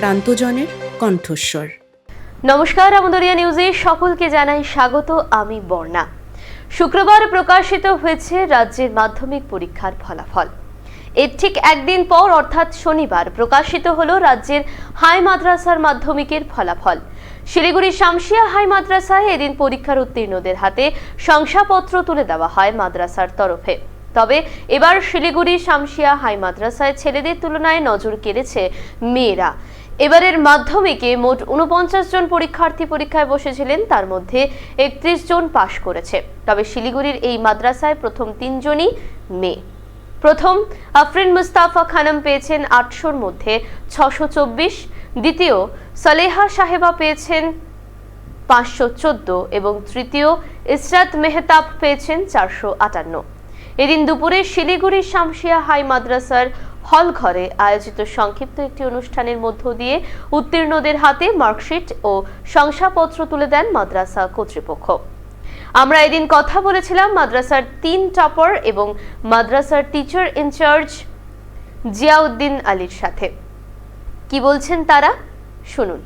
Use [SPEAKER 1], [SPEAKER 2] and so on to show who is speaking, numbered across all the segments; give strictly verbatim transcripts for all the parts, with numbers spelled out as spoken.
[SPEAKER 1] প্রান্তজনের কণ্ঠস্বর।
[SPEAKER 2] নমস্কার, আমদরিয়া নিউজে সকলকে জানাই স্বাগত। আমি বর্ণা। শুক্রবার প্রকাশিত হয়েছে রাজ্যের মাধ্যমিক পরীক্ষার ফলাফল। এর ঠিক একদিন পর অর্থাৎ শনিবার প্রকাশিত হলো রাজ্যের হাই মাদ্রাসার মাধ্যমিকের ফলাফল। শিলিগুড়ি শামসিয়া হাই মাদ্রাসায় এদিন পরীক্ষার উত্তীর্ণদের হাতে শংসাপত্র তুলে দেওয়া হয় মাদ্রাসার তরফে। তবে এবার শিলিগুড়ি শামসিয়া হাই মাদ্রাসায় ছেলেদের তুলনায় নজর কেড়েছে মেয়েরা। এবারের মাধ্যমিকে মোট উনপঞ্চাশ জন পরীক্ষার্থী পরীক্ষায় বসেছিলেন, তার মধ্যে একত্রিশ জন পাশ করেছে। তবে শিলিগুড়ির এই মাদ্রাসায় প্রথম তিনজনই মেয়ে। প্রথম আফরিন মুস্তাফা খানম পেয়েছেন আটশোর মধ্যে ছশো চব্বিশ, দ্বিতীয় সালেহা সাহেবা পেয়েছেন পাঁচশো চোদ্দ এবং তৃতীয় ইসরাত মেহতাব পেয়েছেন চারশো আটান্ন। এদিন দুপুরে শিলিগুড়ি শামসিয়া হাই মাদ্রাসার হল ঘরে আয়োজিত সংক্ষিপ্ত একটি অনুষ্ঠানের মধ্য দিয়ে উত্তীর্ণদের হাতে মার্কশিট ও শংসাপত্র তুলে দেন মাদ্রাসা কর্তৃপক্ষ। আমরা এদিন কথা বলেছিলাম মাদ্রাসার তিন টপার এবং মাদ্রাসার টিচার ইনচার্জ জিয়াউদ্দিন আলীর সাথে। কি বলছেন তারা, শুনুন।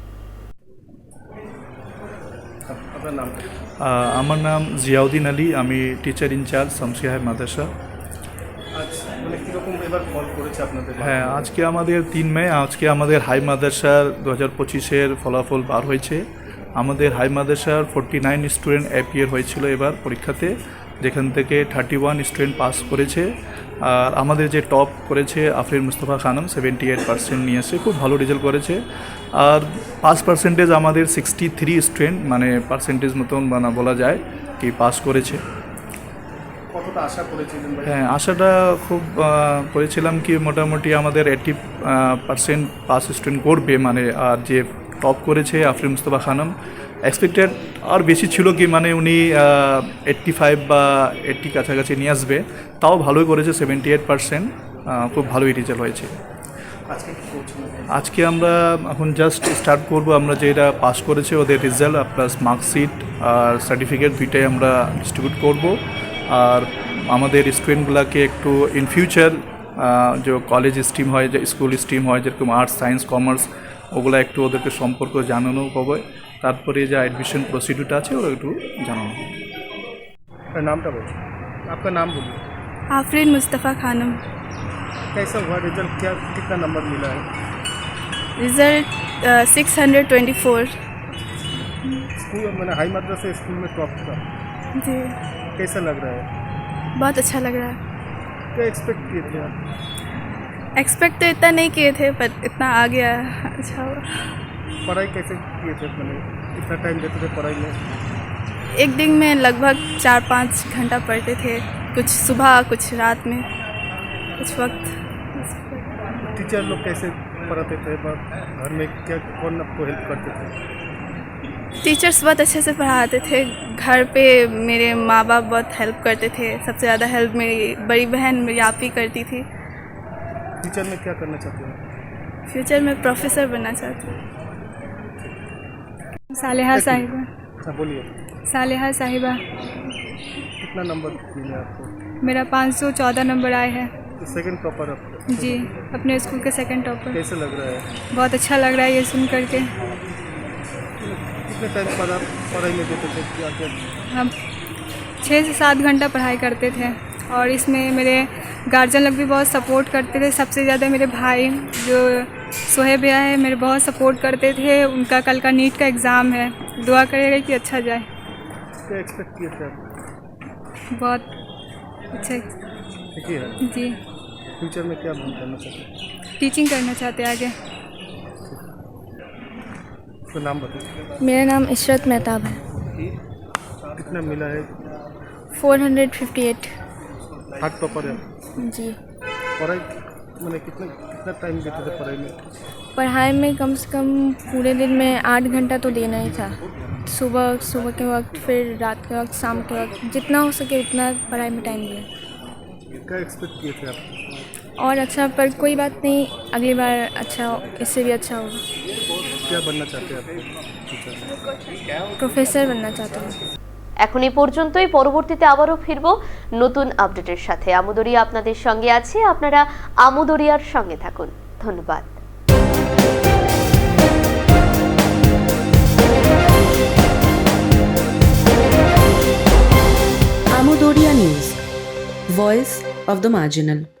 [SPEAKER 3] আমার নাম জিয়াউদ্দিন আলী, আমি teacher in charge Shamsia High Madrasa. হ্যাঁ, আজকে আমাদের তিন মে আজকে আমাদের হাই মাদ্রাসার দু হাজার পঁচিশের ফলাফল বার হয়েছে। আমাদের হাই মাদ্রাসার ফোরটি নাইন স্টুডেন্ট অ্যাপিয়ার হয়েছিল এবার পরীক্ষাতে, যেখান থেকে থার্টি ওয়ান স্টুডেন্ট পাস করেছে। আর আমাদের যে টপ করেছে Afrin Mustafa Khanam seventy eight percent নিয়ে এসে খুব ভালো রেজাল্ট করেছে। আর পাস পার্সেন্টেজ আমাদের সিক্সটি থ্রি স্টুডেন্ট মানে পার্সেন্টেজ মতন মানে বলা যায় কি পাস করেছে।
[SPEAKER 4] কতটা আশা করেছিলেন?
[SPEAKER 3] হ্যাঁ, আশাটা খুব করেছিলাম কি মোটামুটি আমাদের এইট্টি পার্সেন্ট পাস স্টুডেন্ট করবে মানে। আর যে টপ করেছে আফরিন মুস্তাফা খানম এক্সপেক্টেড আর বেশি ছিল কি মানে উনি এইট্টি ফাইভ বা এইট্টি কাছাকাছি নিয়ে আসবে, তাও ভালোই করেছে সেভেন্টি এইট পার্সেন্ট, খুব ভালোই রেজাল্ট হয়েছে। আজকে আমরা এখন জাস্ট স্টার্ট করব। আমরা যেটা পাস করেছে ওদের রেজাল্ট প্লাস মার্কশিট আর সার্টিফিকেট দুইটাই আমরা ডিস্ট্রিবিউট করব। আর আমাদের স্টুডেন্টগুলোকে একটু ইন ফিউচার যে কলেজ স্ট্রিম হয়, যে স্কুল স্ট্রিম হয় যেরকম আর্টস সায়েন্স কমার্স, ওগুলো একটু ওদেরকে সম্পর্ক জানানো হবে। তারপরে যে এডমিশন প্রসিডিউরটা আছে ওরা একটু জানানো হবে।
[SPEAKER 4] নামটা বলুন, আপনার নাম বলুন।
[SPEAKER 5] आफरीन मुस्तफ़ा खानम।
[SPEAKER 4] कैसा हुआ रिजल्ट, क्या कितना नंबर मिला है?
[SPEAKER 5] Result six hundred twenty four.
[SPEAKER 4] School मैंने हाई मद्रासा स्कूल में टॉप था।
[SPEAKER 5] जी,
[SPEAKER 4] कैसा लग रहा है?
[SPEAKER 5] बहुत अच्छा लग रहा है।
[SPEAKER 4] क्या एक्सपेक्ट किए थे आप?
[SPEAKER 5] एक्सपेक्ट तो इतना नहीं किए थे पर इतना आ गया, अच्छा हुआ।
[SPEAKER 4] पढ़ाई कैसे किए थे, मैंने कितना टाइम देते थे पढ़ाई में?
[SPEAKER 5] एक दिन में लगभग चार पाँच घंटा पढ़ते थे, कुछ सुबह कुछ रात में कुछ वक्त।
[SPEAKER 4] टीचर लोग कैसे पढ़ाते थे, घर में क्या कौन आपको हेल्प करते थे?
[SPEAKER 5] टीचर्स बहुत अच्छे से पढ़ाते थे। घर पे मेरे माँ बाप बहुत हेल्प करते थे। सबसे ज़्यादा हेल्प मेरी बड़ी बहन मेरी आप ही करती थी।
[SPEAKER 4] टीचर में क्या करना चाहते हैं?
[SPEAKER 5] फ्यूचर में प्रोफेसर बनना चाहती हूँ। सालेहा साहिबा।
[SPEAKER 4] हाँ बोलिए।
[SPEAKER 5] सालेहा साहिबा।
[SPEAKER 4] कितना नंबर मिला आपको?
[SPEAKER 5] मेरा पाँच सौ चौदह नंबर आए हैं।
[SPEAKER 4] तो सेकंड टॉपर आपको?
[SPEAKER 5] जी, अपने स्कूल के सेकंड टॉपर।
[SPEAKER 4] कैसे लग रहा है?
[SPEAKER 5] बहुत अच्छा लग रहा है ये सुन करके।
[SPEAKER 4] कितने टाइम पढ़ा पढ़ाई में देते थे, क्या क्या?
[SPEAKER 5] हम छः से सात घंटा पढ़ाई करते थे और इसमें मेरे गार्जियन लोग भी बहुत सपोर्ट करते थे। सबसे ज़्यादा मेरे भाई जो सोहेब भैया है मेरे बहुत सपोर्ट करते थे। उनका कल का नीट का एग्ज़ाम है, दुआ करेगा कि अच्छा जाए।
[SPEAKER 4] क्या एक्सपेक्ट किए थे आप?
[SPEAKER 5] बहुत अच्छा।
[SPEAKER 4] ठीक है।
[SPEAKER 5] जी,
[SPEAKER 4] फ्यूचर में क्या बन करना चाहते हैं?
[SPEAKER 5] टीचिंग करना चाहते हैं आगे।
[SPEAKER 4] तो नाम बताइए।
[SPEAKER 6] मेरा नाम इशरत मेहताब है।
[SPEAKER 4] कितना मिला है?
[SPEAKER 6] Four hundred fifty eight.
[SPEAKER 4] Hard topper है
[SPEAKER 6] जी।
[SPEAKER 4] पढ़ाई मैंने कितना कितना टाइम देते थे पढ़ाई में?
[SPEAKER 6] पढ़ाई में कम से कम पूरे दिन में आठ घंटा तो देना ही था। सुबह सुबह के वक्त, फिर रात के वक्त, शाम के वक्त, जितना हो सके उतना पढ़ाई में टाइम दिया।
[SPEAKER 4] क्या एक्सपेक्ट किए थे आप?
[SPEAKER 6] और अच्छा, पर कोई बात नहीं, अगली बार अच्छा, इससे भी अच्छा होगा।
[SPEAKER 4] क्या बनना चाहते हैं आप?
[SPEAKER 6] प्रोफेसर बनना चाहता हूँ।
[SPEAKER 2] এখন এই পর্যন্তই। পরবর্তীতে আবারও ফিরবো নতুন আপডেটের সাথে। আমদরিয়া আপনাদের সঙ্গে আছে, আপনারা আমদরিয়ার সঙ্গে থাকুন। ধন্যবাদ।
[SPEAKER 1] Voice of the marginal.